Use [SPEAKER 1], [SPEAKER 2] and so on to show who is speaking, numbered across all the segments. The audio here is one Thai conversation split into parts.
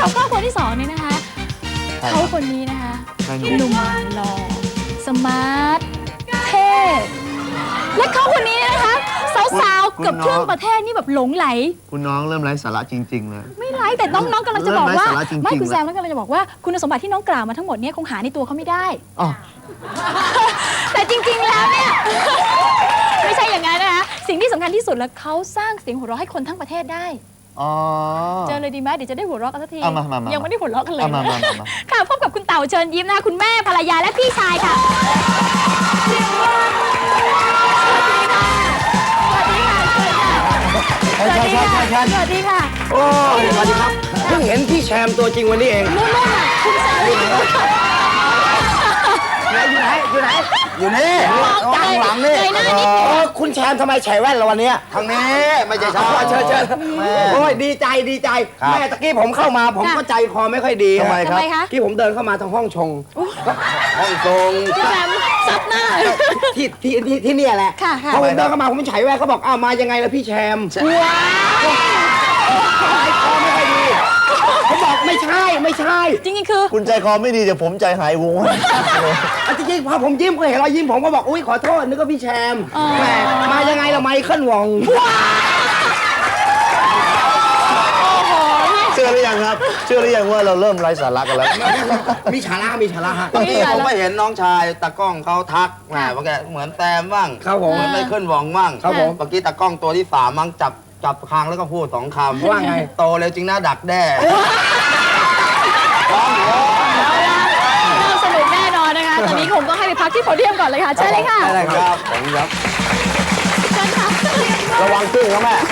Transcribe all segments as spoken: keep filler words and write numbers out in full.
[SPEAKER 1] รับครอบครัวที่สองนี่นะคะเขาคนนี้นะคะหนุ่มหล่อสมาร์ทเท่และเขาคนนี้นะคะสาวๆเกือบครึ่งประเทศนี่แบบหลงไหล
[SPEAKER 2] คุณน้องเริ่มไร้สาระจริงๆเลย
[SPEAKER 1] ไม่ไร้แต่น้องๆกำลังจะบอกว่าไม่คุณแซม
[SPEAKER 2] แล้
[SPEAKER 1] แล้ว วกำลังจะบอกว่าคุณสมบัติที่น้องกล่าวมาทั้งหมดนี้คงหาในตัวเขาไม่ได้แต่จริงๆแล้วเนี่ยไม่ใช่อย่างนั้นนะคะสิ่งที่สำคัญที่สุดแล้วเขาสร้างเสียงหัวเราะให้คนทั้งประเทศได้เจอเลยดีไหมเดี๋ยวจะได้หัวเราะกันสักทียังไม่ได้หัวเราะกันเลยค่ะพบกับคุณเต่าเชิญยิ้มนะคะคุณแม่ภรรยาและพี่ชายค่ะสวัสดีค่ะสวัสดีค่ะสวัสดีค่ะ
[SPEAKER 3] โอ้สวัสดีครับเพิ่งเห็นพี่แชมป์ตัวจริงวันนี้เอง
[SPEAKER 1] นู่นๆน่ะคุณแซมอยู่ไหน
[SPEAKER 3] อยู่ไหนอยู่ไหนอยู่นี่ข้างหลังนี่โอ้คุณแชมป์ทำไมใส่แว่นเราวันนี้
[SPEAKER 2] ทางนี้ไม่ใช่ชา
[SPEAKER 3] เชิญเชิญโอ้ยดีใจดีใจแม่ตะกี้ผมเข้ามาผมก็ใจคอไม่ค่อยดี
[SPEAKER 2] ทำไมครับ
[SPEAKER 3] ที่ผมเดินเข้ามาทางห้องชงห้องชง
[SPEAKER 1] พี่แซมซับหน้า
[SPEAKER 3] ที่ที่ที่ที่นี่แหละพอผมเดินเข้ามาผมใส่แว่นเขาบอกอ้าวมายังไงล่ะพี่แชมป์
[SPEAKER 1] ว้าว
[SPEAKER 3] ใจคอไม่ค่อยดีเขาบอกไม่ใช่ไม่ใช่
[SPEAKER 1] จริงๆคือ
[SPEAKER 2] คุณใจคอไม่ดีเดี๋ยวผมใจหายวัว
[SPEAKER 3] จริงๆพอผมยิ้มก็เห็นรอยยิ้มผมก็บอกอุ้ยขอโทษนึกว่าพี่แชมป์แหมมายังไงล่ะไมเคิลวอง
[SPEAKER 2] เชื่อหรือยังครับเชื่อหรือยังว่าเราเริ่มไร้สาระกันแล้ว
[SPEAKER 3] มีชาระมีชาระฮะ
[SPEAKER 4] ผมก็เห็นน้องชายตากล้องเขาทักแหมว่าแกเหมือนแตมบ้างเหมือนไมเคิลวองบ้างเมื่อกี้ตากล้องตัวที่สามมั้งจับจับคางแล้วก็พูดสองคำ
[SPEAKER 3] ว่าไง
[SPEAKER 4] โตเร็วจริงนะดักแด้
[SPEAKER 1] สนุกแน่นอนนะคะตอนนี้ผมก็ให้ไปพักที่โพเดียมก่อนเลยค่ะใช่เลยค่ะ
[SPEAKER 3] ได้ครับผมครับระวังตึ้งนะแม่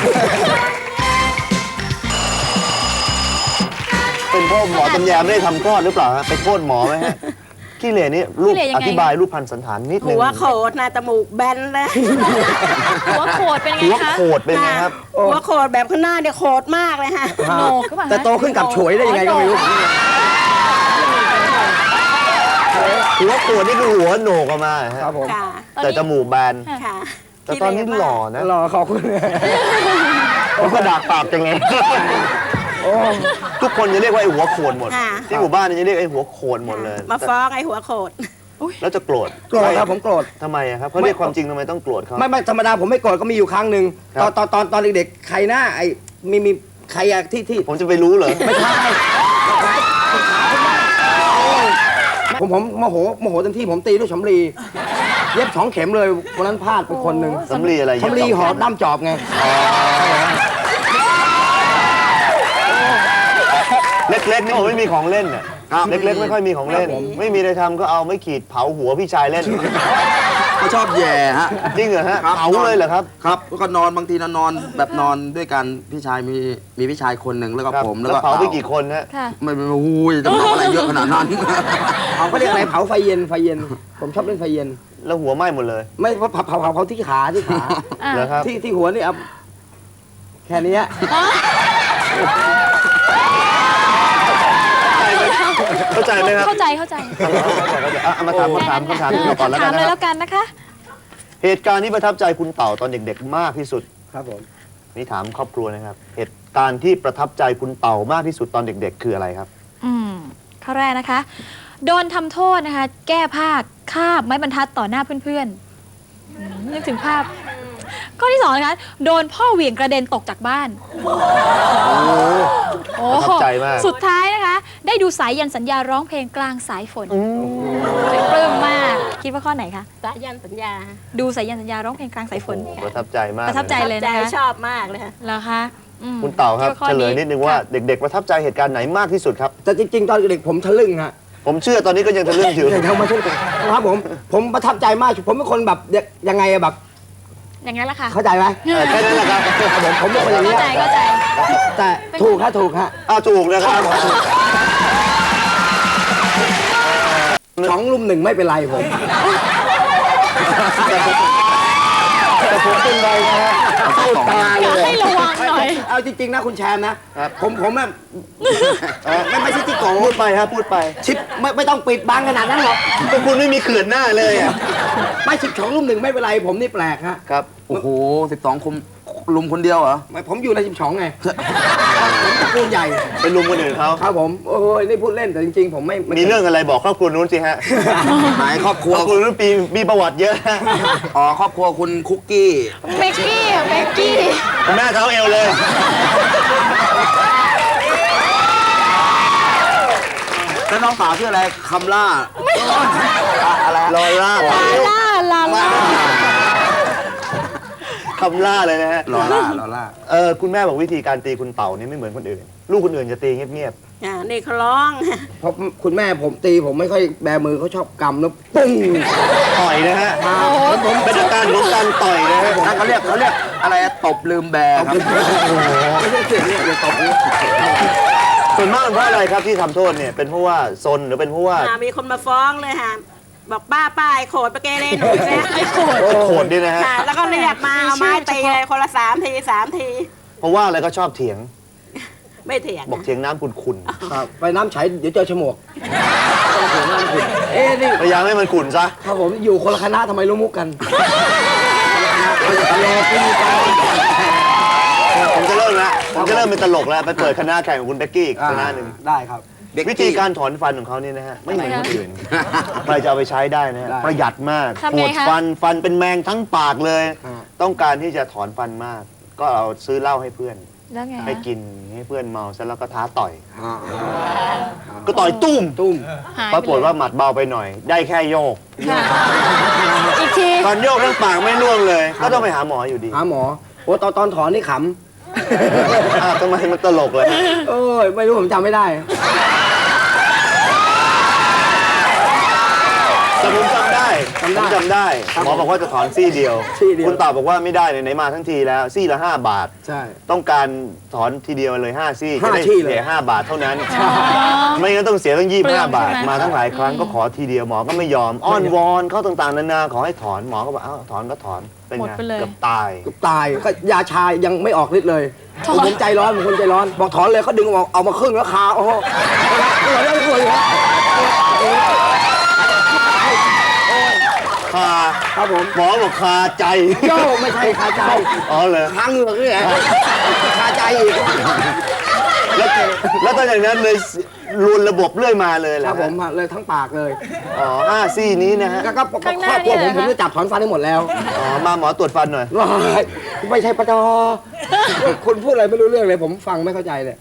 [SPEAKER 2] เป็นพ่อหมอตำแยไม่ได้ทำคลอดหรือเปล่าฮะไปโทษหมอไหมฮะขี้เหร่นี่รูปอธิบายรูปพันสันฐานนิดนึง
[SPEAKER 5] หัวโขดนะจมูกแบนเลย
[SPEAKER 1] หัวโขดเป็นไงคะ
[SPEAKER 2] หัวโขดเป็นไงครับ
[SPEAKER 5] หัวโขดแบบข้างหน้าเนี่ยโขดมากเลยฮะ
[SPEAKER 1] โหนกก็แบบ
[SPEAKER 3] แต่โตขึ้นกับฉวยได้ยังไงก็ไม่รู้
[SPEAKER 2] หัวโขดนี่คือหัวโหนกออกมา
[SPEAKER 3] ครับผม
[SPEAKER 2] แต่จมูกแบนแต่ตอนนี้หล่อนะ
[SPEAKER 3] หล่อขอบคุณ
[SPEAKER 2] ผมก็ดากปากจังไงทุกคนจะเรียกว่าไอ้หัวโขดหมดที่หมู่บ้านจะเรียกไอ้หัวโขดหมดเลย
[SPEAKER 5] มาฟ้องไอ้หัวโขด
[SPEAKER 2] แล้วจะโกรธ
[SPEAKER 3] โกรธครับผมโกรธ
[SPEAKER 2] ทำไมครับเขาเรียกความจริงทำไมต้องโกรธเขา
[SPEAKER 3] ไม่ไม่ธรรมดาผมไม่โกรธก็มีอยู่ครั้งหนึ่งตอนตอนตอนตอนเด็กๆใครหน้าไอ้มีมีใครอะที่ที่
[SPEAKER 2] ผมจะไปรู้เหรอ
[SPEAKER 3] ไม่ใช่ผมผมโมโหโมโหเต็มที่ผมตีด้วยสำลีเย็บสองเข็มเลยวันนั้นพลาดไปคนหนึ่ง
[SPEAKER 2] สำลีอะไร
[SPEAKER 3] สำลีห่อด้ามจอบไง
[SPEAKER 2] เล็กๆนี่ผมไม่มีของเล่นน่ะเล็กๆไม่ค่อยมีของเล่นไม่มีอะไรทำก็เอาไม่ขีดเผาหัวพี่ชายเล่น
[SPEAKER 4] เขาชอบแย่ฮะ
[SPEAKER 2] จริงเหรอฮะเผาเลยเหรอครับ
[SPEAKER 4] ครับแล้วก็นอนบางทีนอนแบบนอนด้วยกันพี่ชายมีมีพี่ชายคนหนึ่งแล้วก็ผม
[SPEAKER 2] แล้วเผาไปกี่คนฮะ
[SPEAKER 4] ไม่ไม่อุ้ยจะเผาอะไรเยอะขนาดนั้น
[SPEAKER 3] เผาเขาเรียกอะไรเผาไฟเย็นไฟเย็นผมชอบเล่นไฟเย็น
[SPEAKER 2] แล้วหัวไหม้หมดเลย
[SPEAKER 3] ไม่เผาเผาเผาเผาที่ขาที่ขาที่ที่หัวนี่เอาแค่นี้
[SPEAKER 2] เข้าใจไหมครับ
[SPEAKER 1] เข้าใจเข้าใจ
[SPEAKER 2] เอามาถามคำถามคำถามก่อนแล้วกัน
[SPEAKER 1] นะถามเลยแล้วกันนะคะ
[SPEAKER 2] เหตุการณ์ที่ประทับใจคุณเต่าตอนเด็กๆมากที่สุด
[SPEAKER 3] ครับผม
[SPEAKER 2] นี่ถามครอบครัวนะครับเหตุการณ์ที่ประทับใจคุณเต่ามากที่สุดตอนเด็กๆคืออะไรครับ
[SPEAKER 1] อืมข้อแรกนะคะโดนทำโทษนะคะแก้ผ้าคาบไม้บรรทัดต่อหน้าเพื่อนๆนึกถึงภาพข้อที่สองนะคะโดนพ่อเหวี่ยงกระเด็นตกจากบ้าน
[SPEAKER 2] โอ้ประทับใจมาก
[SPEAKER 1] สุดท้ายนะคะได้ดูสายยันสัญญาร้องเพลงกลางสายฝนปลื้มมากคิดว่าข้อไหนคะ
[SPEAKER 5] สายยันสัญญา
[SPEAKER 1] ดูสายยันสัญญาร้องเพลงกลางสายฝน
[SPEAKER 2] ประทับใจมาก
[SPEAKER 1] ประทับใจเลยนะคะ
[SPEAKER 5] ชอบมากเลยค่ะ
[SPEAKER 1] เหรอคะ
[SPEAKER 2] คุณเต่าครับเฉลยนิดนึงว่าเด็กๆประทับใจเหตุการณ์ไหนมากที่สุดครับ
[SPEAKER 3] แต่จริงๆตอนเด็กผมทะลึ่งฮะ
[SPEAKER 2] ผมเชื่อตอนนี้ก็ยังทะลึ่งอยู่
[SPEAKER 3] ยังทำมาเช่นกันครับผมผมประทับใจมากผมเป็นคนแบบยังไงแบบ
[SPEAKER 1] อย่างนั้นแหละค่ะ
[SPEAKER 3] เข้าใจไหม
[SPEAKER 2] แค่นั้นแหละครับ
[SPEAKER 3] ผมผมเป็นคนอย่างนี้
[SPEAKER 1] เข้าใจเข้าใจ
[SPEAKER 3] แต่ถูกฮะถูกฮะ
[SPEAKER 2] อ้าวถูกนะครับ
[SPEAKER 3] สองลุมหนึ่งไม่เป็นไรผมแต่ผมเป็นไรนะฮะพูดตาเลย
[SPEAKER 1] ให้ระวังหน่อย
[SPEAKER 3] เอาจริงๆนะคุณแชมป์นะผมผมแบบไม่ไม่ใช่ที่โกง
[SPEAKER 2] พูดไปครับพูดไป
[SPEAKER 3] ชิปไม่ไม่ต้องปิดบังขนาดนั้นหรอก
[SPEAKER 2] คุณไม่มีเขื่อนหน้าเลยอ่ะ
[SPEAKER 3] ไม่สิบสองลุมหนึ่งไม่เป็นไรผมนี่แปลกฮะ
[SPEAKER 2] ครับ
[SPEAKER 4] โอ้โหสิบสองคุมลุมคนเดียวเหรอ
[SPEAKER 3] ไม่ผมอยู่ในสิบสองไงปูนใหญ่
[SPEAKER 2] ไปลุมคนอื่นเขา
[SPEAKER 3] ครับผมโอ้ยนี่พูดเล่นแต่จริงๆ ผมไม่ไ
[SPEAKER 2] มีเรื่องอะไรบอกครอบครัวนู้นสิฮะ
[SPEAKER 4] หมายครอบค
[SPEAKER 2] ค
[SPEAKER 4] รัว
[SPEAKER 2] รอบครัวนู้นปีมีประวัติเยอะ
[SPEAKER 4] อ๋อครอบครัวคุณคุกกี้
[SPEAKER 1] เบกกี้เบกกี้
[SPEAKER 2] คุณแม่เท้าเอวเลย
[SPEAKER 4] แล้วน้องสาวชื่ออะไรคำล่าอะไร
[SPEAKER 2] ลอร่า
[SPEAKER 1] ลาล่าลาล่า
[SPEAKER 2] คำล่าเลยนะฮะ
[SPEAKER 4] ลอล่าลอล่า
[SPEAKER 2] เออคุณแม่บอกวิธีการตีคุณเต่านี่ไม่เหมือนคนอื่น ลูกคนอื่นจะตีเงียบ
[SPEAKER 5] อ่านี่เขาร้อง
[SPEAKER 3] เพราะคุณแม่ผมตีผมไม่ค่อยแบมือเขาชอบกำแล้วปุ้ง
[SPEAKER 2] ๆต่อยนะฮะเป็นอาการของการต่อยนะฮะ
[SPEAKER 4] นั่นเขาเรียกเขาเรียกอะไรอะตบลืมแบร์ครับ
[SPEAKER 3] ไม่ใช่เสียงเนี่ยอย่าตบนี่
[SPEAKER 2] ส่วนมากเป็นเพราะอะไรครับที่ทำโทษเนี่ยเป็นเพราะว่าซนหรือเป็นเพราะว่า
[SPEAKER 5] อ่ามีคนมาฟ้องเลยค่ะบอกป้าป้าไอ้โขดไปเกเรหนูอีกแล้ว
[SPEAKER 1] ไอ้โขด
[SPEAKER 2] โขดนี่นะฮะ
[SPEAKER 5] ค่ะแล้วก็เรียกมาเอาไม้ตีเลยคนละสามทีสามที
[SPEAKER 2] เพราะว่าอะไรก็ชอบเถียง
[SPEAKER 5] ไม่เถียง
[SPEAKER 2] บอกเถียงน้ำขุ่น
[SPEAKER 3] ครับไปน้ำใช้เดี๋ยวเจอฉมวกต้องเสียงน้ำขุ่นเอ๊ะนี่
[SPEAKER 2] ๆพยายามให้มันขุ่นซะ
[SPEAKER 3] ครับผมอยู่คนละคณะทำไมรู้มุกกันคนละคณะเราจะตลกพี่กัน
[SPEAKER 2] ผมจะเริ่มแล้วผมจะเริ่มเป็นตลกแล้วไปเปิดคณะแข่งกับคุณเบกกี้อีกคณะหนึ่ง
[SPEAKER 3] ได้ครับ
[SPEAKER 2] วิธีการถอนฟันของเขานี่นะฮะไม่เหมือนคนอื่นใครจะเอาไปใช้ได้นะฮะ
[SPEAKER 3] ได้
[SPEAKER 2] ประหยัดมาก
[SPEAKER 1] ทำ
[SPEAKER 2] ป
[SPEAKER 1] ไง
[SPEAKER 2] วด
[SPEAKER 1] คะ
[SPEAKER 2] ฟันฟันเป็นแมงทั้งปากเลย
[SPEAKER 3] อ่า
[SPEAKER 2] ต้องการที่จะถอนฟันมาก ก็เอาซื้อเหล้าให้เพื่อน
[SPEAKER 1] แล้วไง
[SPEAKER 2] ให้
[SPEAKER 1] คะ
[SPEAKER 2] กินให้เพื่อนเมาเสร็จแล้วก็ท้าต่อย
[SPEAKER 3] อ่า
[SPEAKER 2] ก็ต่อยตุ้ม
[SPEAKER 3] ตุ้ม
[SPEAKER 1] หาย
[SPEAKER 2] ปรากฏว่าหมัดเบาไปหน่อย ได้แค่โยก
[SPEAKER 1] ค่ะอีกที
[SPEAKER 2] ตอนโยกทั้งปากไม่ร่วงเลย ก็ต้องไปหาหมออยู่ดี
[SPEAKER 3] หาหมอโอ้ตอนตอนถอนนี่ข
[SPEAKER 2] อ้าวทำไมมันตลกเลย
[SPEAKER 3] ำเอ้ยไม่รู้ผมจำไม่ได้
[SPEAKER 2] แต่ผมจำได้
[SPEAKER 3] จำได้
[SPEAKER 2] ผมจำได้
[SPEAKER 3] ครับ
[SPEAKER 2] หมอบอกว่าจะถอนซี่เดียว
[SPEAKER 3] ซี่เดียว
[SPEAKER 2] คุณตอบบอกว่าไม่ได้ไหนๆมาทั้งทีแล้วซี่ละห้าบาท
[SPEAKER 3] ใช่
[SPEAKER 2] ต้องการถอนทีเดียวเลยห้าซี่จะ
[SPEAKER 3] ห้า
[SPEAKER 2] ได้
[SPEAKER 3] ซี่เลย
[SPEAKER 2] เสียห้าบาทเท่านั้น ไม่งั้นต้องเสียตั้งยี่สิบห้าบาท
[SPEAKER 1] เปลืองใช่ไหม
[SPEAKER 2] มาทั้งหลายครั้งก็ขอทีเดียวหมอก็ไม่ยอม อ้อนวอนเขาต่างๆนานาขอให้ถอนหมอก็บอกอ้าวถอนก็ถอนเป็น
[SPEAKER 1] หมด
[SPEAKER 2] ไง
[SPEAKER 1] ไปเลย
[SPEAKER 2] เกือบตาย
[SPEAKER 3] ก็ตายก็ยาชายังไม่ออกฤทธิ์เลย
[SPEAKER 1] ถอน
[SPEAKER 3] ผมใจร้อนผมคนใจร้อน บอกถอนเลยเขาดึงออกเอามาครึ่งแล้วคาโอ้โหปวดแล้วปวดอยู่แล้ว
[SPEAKER 2] คา
[SPEAKER 3] ครับผม
[SPEAKER 2] หมอบอกคาใจ
[SPEAKER 3] โย่ไม่ใช่คาใจ
[SPEAKER 2] อ๋อเลย
[SPEAKER 3] ค้างเหงือกนี่แหละคาใจอีก
[SPEAKER 2] แล้วแล้วตอนอย่างนั้นเลยรุนระบบเรื่อยมาเลยเหร
[SPEAKER 3] ค
[SPEAKER 2] อ
[SPEAKER 3] รับผมเลยทั้งปากเลย
[SPEAKER 2] อ๋อห้าซี่นี้นะฮะ
[SPEAKER 3] ก็ก็ครอบครัวผมผมจะจับถอนฟันให้หมดแล้ว
[SPEAKER 2] อ๋อมาหมอตรวจฟันหน่อย
[SPEAKER 3] ว้ายไม่ใช่ปะจอคุณพูดอะไรไม่รู้เรื่องเลย ผมฟังไม่เข้าใจเลย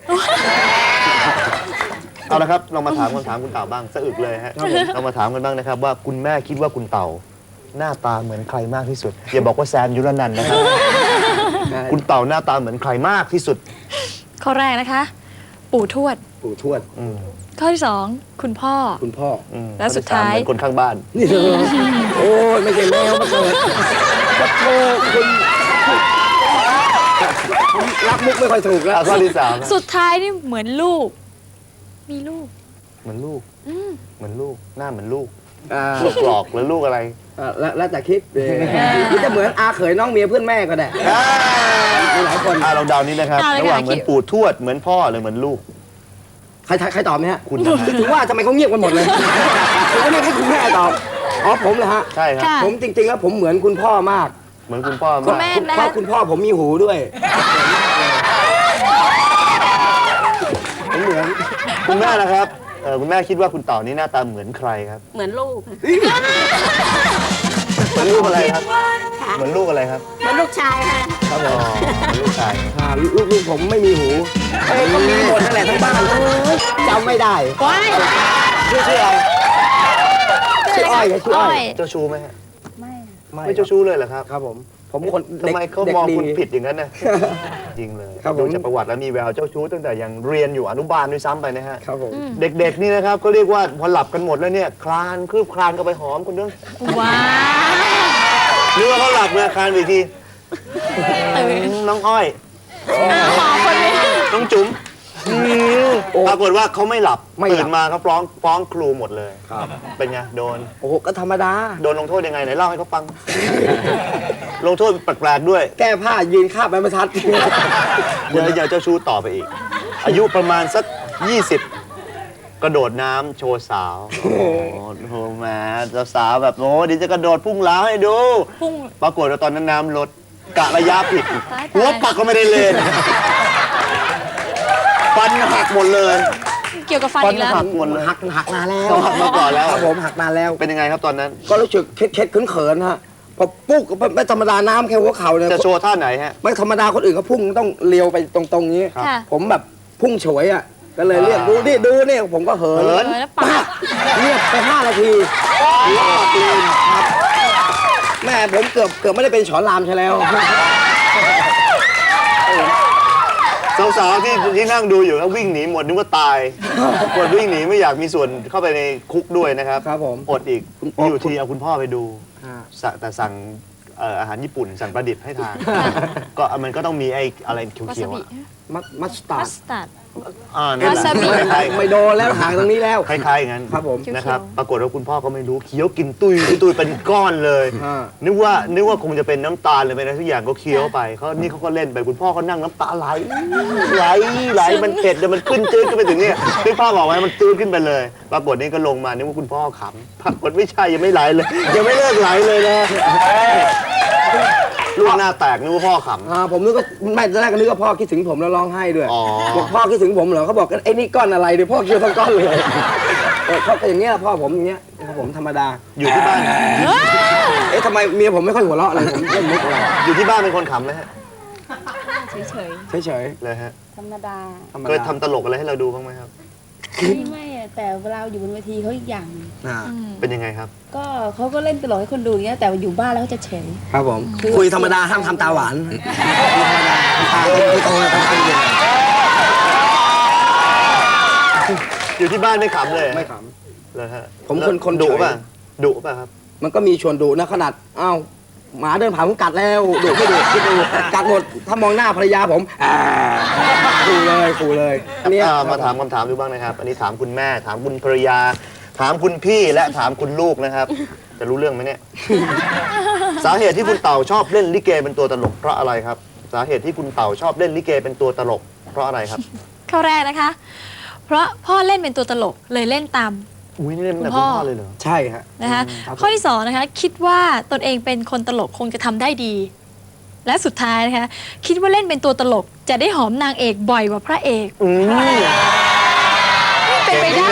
[SPEAKER 2] เอาละครับเรามาถามคำถามคุณเต่าบ้างสะอึกเลยฮะเรามาถามกันบ้างนะครับว่าคุณแม่คิดว่าคุณเต่าหน้าตาเหมือนใครมากที่สุดอย่าบอกว่าแซมยุรนันท์นะครับ คุณเต่าหน้าตาเหมือนใครมากที่สุด
[SPEAKER 1] ข้อแรกนะคะ ปู่ทวด
[SPEAKER 3] ปู่ทวด
[SPEAKER 2] อืม
[SPEAKER 1] ข้อที่สองคุณพ่อ
[SPEAKER 3] คุณพ่อ
[SPEAKER 2] อืม
[SPEAKER 1] แล้วสุดท้าย
[SPEAKER 2] เหมือนคนข้างบ้าน
[SPEAKER 3] นี่เธอโอ้ยไม่ใช่แมวมาเกิดขอโทษคุณผมรับมุกไม่ค่อยถูกแล้ว
[SPEAKER 2] อ่ะข้อที่สาม
[SPEAKER 1] สุดท้ายนี่เหมือนลูก มีลูก
[SPEAKER 2] เหมือนลูก
[SPEAKER 1] อืม
[SPEAKER 2] เหมือนลูกหน้าเหมือนลูก
[SPEAKER 3] อ่า
[SPEAKER 2] ลูกหลอกหรือลูกอะไร
[SPEAKER 3] อ่าแล้วแล้วแต่คิดเออหรือจะเหมือนอาเขยน้องเมียเพื่อนแม่ก็ได้ มีหลายคน
[SPEAKER 2] อ่าเราเดานี้นะครับ
[SPEAKER 1] เอาเลย
[SPEAKER 2] ระหว่าง
[SPEAKER 1] ค่ะ
[SPEAKER 2] เหมือนปู่ทวดเหมือนพ่อหรือเหมือนลูก
[SPEAKER 3] ใครใครตอบไหมฮะ
[SPEAKER 2] คุณนะฮะ
[SPEAKER 3] ถึงว่าทำไมเขาเงียบกันหมดเลยผมก็เรียกให้คุณแม่ตอบอ๋อผมเลยฮะ
[SPEAKER 2] ใช่ครับ
[SPEAKER 1] ค่ะ
[SPEAKER 3] ผมจริงๆแล้วผมเหมือนคุณพ่อมาก
[SPEAKER 2] เหมือนคุณพ่อ
[SPEAKER 1] คุณ
[SPEAKER 2] มาก
[SPEAKER 1] แม่
[SPEAKER 3] คุณเพราะคุณพ่อผมมีหูด้วย
[SPEAKER 2] ผมเหมือนคุณแม่นะครับเออคุณแม่คิดว่าคุณเต่านี่หน้าตาเหมือนใครครับ
[SPEAKER 5] เหมือนลูก
[SPEAKER 2] เหมือนลูกอะไรครับ
[SPEAKER 5] ค่ะ
[SPEAKER 2] เหมือนลูกอะไรครับ
[SPEAKER 5] เหมือนลูกชายค่ะ
[SPEAKER 2] ครับผมเหมือนลูกชาย
[SPEAKER 3] อ่าลูกลูกผมไม่มีหูเอ้ยก็มีหมดนั่นแหละทั้งบ้านจำไม่ได้
[SPEAKER 1] ว้าย
[SPEAKER 3] ชื่อชื่ออะไรชื่ออ้อยไงชื่ออ้อย
[SPEAKER 2] เจ้าชู้ไหมฮะ
[SPEAKER 3] ไม่
[SPEAKER 2] ไม่เจ้าชู้เลยเหรอครับ
[SPEAKER 3] ครับผม ผมคน
[SPEAKER 2] ทำไมเขา
[SPEAKER 3] ด็ก
[SPEAKER 2] มอง
[SPEAKER 3] ด็ก
[SPEAKER 2] คุณผิดอย่างนั้นนะจริงเลย
[SPEAKER 3] ครับผม
[SPEAKER 2] ดูจากประวัติแล้วมีแววเจ้าชู้ตั้งแต่ยังเรียนอยู่อนุบาลด้วยซ้ำไปนะฮะ
[SPEAKER 3] ครับผม
[SPEAKER 2] เด็กๆนี่นะครับก็เรียกว่าพอหลับกันหมดแล้วเนี่ยคลานคืบคลานก็ไปหอมคุณนึก
[SPEAKER 1] ว้าว
[SPEAKER 2] นึกว่าเขาหลับเนี่ยคลานไปอีกทีน้องอ้อย
[SPEAKER 1] ขอคนนี้
[SPEAKER 2] น้องจุ๋มปรากฏว่าเขาไม่หลับ
[SPEAKER 3] ไม่หลับ
[SPEAKER 2] ตื่นมาเขาฟ้องฟ้องครูหมดเลย
[SPEAKER 3] ครับ
[SPEAKER 2] เป็นไงโดน
[SPEAKER 3] โอ้โหก็ธรรมดา
[SPEAKER 2] โดนลงโทษยังไงไหนเล่าให้เขาฟัง ลงโทษแปลกๆด้วย
[SPEAKER 3] แก้ผ้ายืนคาบใบมะทัด
[SPEAKER 2] เดี๋ยวอย่าเจ้าชู้ต่อไปอีก อายุประมาณสักยี่สิบกระโดดน้ำโชว์สาว โอ้โหแหมเจ้าสาวแบบโอ้เดี๋ยวจะกระโดดพุ่งล้าวให้ดู
[SPEAKER 1] พุ่ง
[SPEAKER 2] ปรากฏว่าตอนนั้นน้ำลดกะระยะผิด
[SPEAKER 1] ตายๆ
[SPEAKER 2] หัวปักก็ไม่ได้เล่น ตฟันหักหมดเลย
[SPEAKER 1] เกี่ยวกับฟัน
[SPEAKER 2] ฟัน
[SPEAKER 1] อีกแล้ว
[SPEAKER 2] หักหมดเลย
[SPEAKER 3] หักหักนานแล้ว
[SPEAKER 2] เขาหักมาก่อนแล้ว
[SPEAKER 3] ครับผมหักนานแล้ว
[SPEAKER 2] เป็นยังไงครับตอนนั้น
[SPEAKER 3] ก็รู้สึกเค็ดๆเขินๆฮะพอปุ๊กไม่ธรรมดาน้ำแค่หัวเข่าเนี่ย
[SPEAKER 2] จะโชว์ท่าไหนฮะ
[SPEAKER 3] ไม่ธรรมดาคนอื่นเขาพุ่งต้องเลี้ยวไปตรงๆนี้
[SPEAKER 2] ครับ
[SPEAKER 1] ค่ะ
[SPEAKER 3] ผมแบบพุ่งเฉวยอ่ะก็เลยเรียกดูนี่ดูนี่ผมก็เหิน
[SPEAKER 2] เหิน
[SPEAKER 1] เออแล้วปาก
[SPEAKER 3] เงียบไปห้านาทีครับแม่ผมเกือบเกือบไม่ได้เป็นฉอนรามใช่แล้ว
[SPEAKER 2] สาวๆที่ที่นั่งดูอยู่แล้ววิ่งหนีหมดนึกว่าตายกดวิ่งหนีไม่อยากมีส่วนเข้าไปในคุกด้วยนะครับ
[SPEAKER 3] ครับผม
[SPEAKER 2] อดอีก
[SPEAKER 3] คุณพ่อ
[SPEAKER 2] อยู่ทีเอาคุณพ่อไปดู
[SPEAKER 3] อ่า
[SPEAKER 2] สั่งแต่สั่งเอ่ออาหารญี่ปุ่นสั่งประดิษฐ์ให้ทานก็มันก็ต้องมีไอ้อะไร
[SPEAKER 1] วา
[SPEAKER 2] เขี
[SPEAKER 1] ซา
[SPEAKER 2] ยวๆ
[SPEAKER 1] บิ
[SPEAKER 2] อะ
[SPEAKER 3] มัสมัสตา
[SPEAKER 1] มั
[SPEAKER 3] ร์ด
[SPEAKER 1] สตาร์ด
[SPEAKER 2] อ่านั่นแหละ
[SPEAKER 1] วาซาบิ
[SPEAKER 2] คล้ายๆ
[SPEAKER 3] ไม่โดนแล้วห่างตรงนี้แล้ว
[SPEAKER 2] คล้ายๆอย่างนั้น
[SPEAKER 3] ครับผม
[SPEAKER 2] นะครับ
[SPEAKER 1] เขียวๆ
[SPEAKER 2] ปรากฏว่าคุณพ่อก็ไม่รู้เคี้ยวกินตุยตุยเป็นก้อนเลย
[SPEAKER 3] อ่า
[SPEAKER 2] นึกว่านึกว่าคงจะเป็นน้ำตาลหรือเป็นอะไรทุกอย่างก็เคี้ยวไปเขานี่เขาก็เล่นไปคุณพ่อก็นั่งน้ำตาไหลไหลไหลมันเผ็ดแล้วมันขึ้นจืดขึ้นไปถึงเนี่ยที่พ่อบอกไว้มันจืดขึ้นไปเลยปรากฏนี่ก็ลงมานึกว่าคุณพ่อขำปรากฏไม่ใช่ยังไม่ไหลเลย ยังไม่เลิกไหลเลยนะลูกหน้าแตกนึกว่าพ่อขำ
[SPEAKER 3] อ่าผมนึกว่าไม่ตอนแรกก็นึกว่าพ่อคิดถึงผมแล้วร้องไห้ด้วย
[SPEAKER 2] อ๋อ
[SPEAKER 3] บอกพ่อคิดถึงผมเหรอเขาบอกไอ้นี่ก้อนอะไรเดี๋ยวพ่อเคี้ยวทั้งก้อนเลยเออเขาก็อย่างเงี้ยพ่อผมอย่างเงี้ยครับผมธรรมดา
[SPEAKER 2] อยู่ที่บ้าน
[SPEAKER 3] เอ๊ะทำไมเมียผมไม่ค่อยหัวเราะเลยผมเล่นมุกอะไร
[SPEAKER 2] อยู่ที่บ้านเป็นคนขำไหมฮะ
[SPEAKER 1] เฉย
[SPEAKER 3] เฉย
[SPEAKER 2] เลยฮะ
[SPEAKER 6] ธรรมดา
[SPEAKER 3] ๆธรรม
[SPEAKER 2] เคย
[SPEAKER 3] ดา
[SPEAKER 2] ทำตลกอะไรให้เราดูบ้างไหมครับ
[SPEAKER 6] ไม่ไม่อะแต่เวลาอยู่บนเวทีเขาอีกอย่างหนึ่ง
[SPEAKER 3] อ่า
[SPEAKER 1] ๆอืม
[SPEAKER 2] เป็นยังไงครับ
[SPEAKER 6] ก็เขาก็เล่นตลกให้คนดูอย่างเงี้ยแต่อยู่บ้านแล้วเขาจะเฉย
[SPEAKER 3] ครับผม คุยธรรมดาห้ามทำตาหวานตาโตๆตาโต
[SPEAKER 2] อยู่ที่บ้านไม่ขำเลย
[SPEAKER 3] ๆไม่ข
[SPEAKER 2] เลยฮะ
[SPEAKER 3] ผมคนคน
[SPEAKER 2] ดุ
[SPEAKER 3] เฉย
[SPEAKER 2] ป่ะดุป่ะครับ
[SPEAKER 3] ำมันก็มีชวนดุนะขนาดอ้าวหมาเดินผ่านผมกัดแล้วดุไม่ดุคิดดูกัดหมดถ้ามองหน้าภรรยาผมอ่าขู่เลยขู่เลยเนี่ย
[SPEAKER 2] อ่ามาถามคำถามดูบ้างนะครับ อันนี้ถามคุณแม่ ถามคุณภรรยา ถามคุณพี่และถามคุณลูกนะครับ จะรู้เรื่องไหมเนี่ย สาเหตุที่คุณเต่าชอบเล่นลิเกเป็นตัวตลกเพราะอะไรครับ สาเหตุที่คุณเต่าชอบเล่นลิเกเป็นตัวตลก เพราะอะไรครับ
[SPEAKER 1] ข้อแรกนะคะ เพราะพ่อเล่นเป็นตัวตลกเลยเล่นตาม
[SPEAKER 2] อุ้ยนี่เล่นตั้งแต่
[SPEAKER 1] คุ
[SPEAKER 2] คุณ
[SPEAKER 1] ณพ่อ
[SPEAKER 2] พ่อเลยเหรอ
[SPEAKER 3] ใช่ฮะ
[SPEAKER 1] นะคะ
[SPEAKER 3] ครับ
[SPEAKER 1] ข้อที่สองนะคะ คิดว่าตนเองเป็นคนตลกคงจะทำได้ดี และสุดท้ายนะคะ คิดว่าเล่นเป็นตัวตลกจะได้หอมนางเอกบ่อยกว่าพระเอก
[SPEAKER 2] อืม
[SPEAKER 1] เป็นไปได้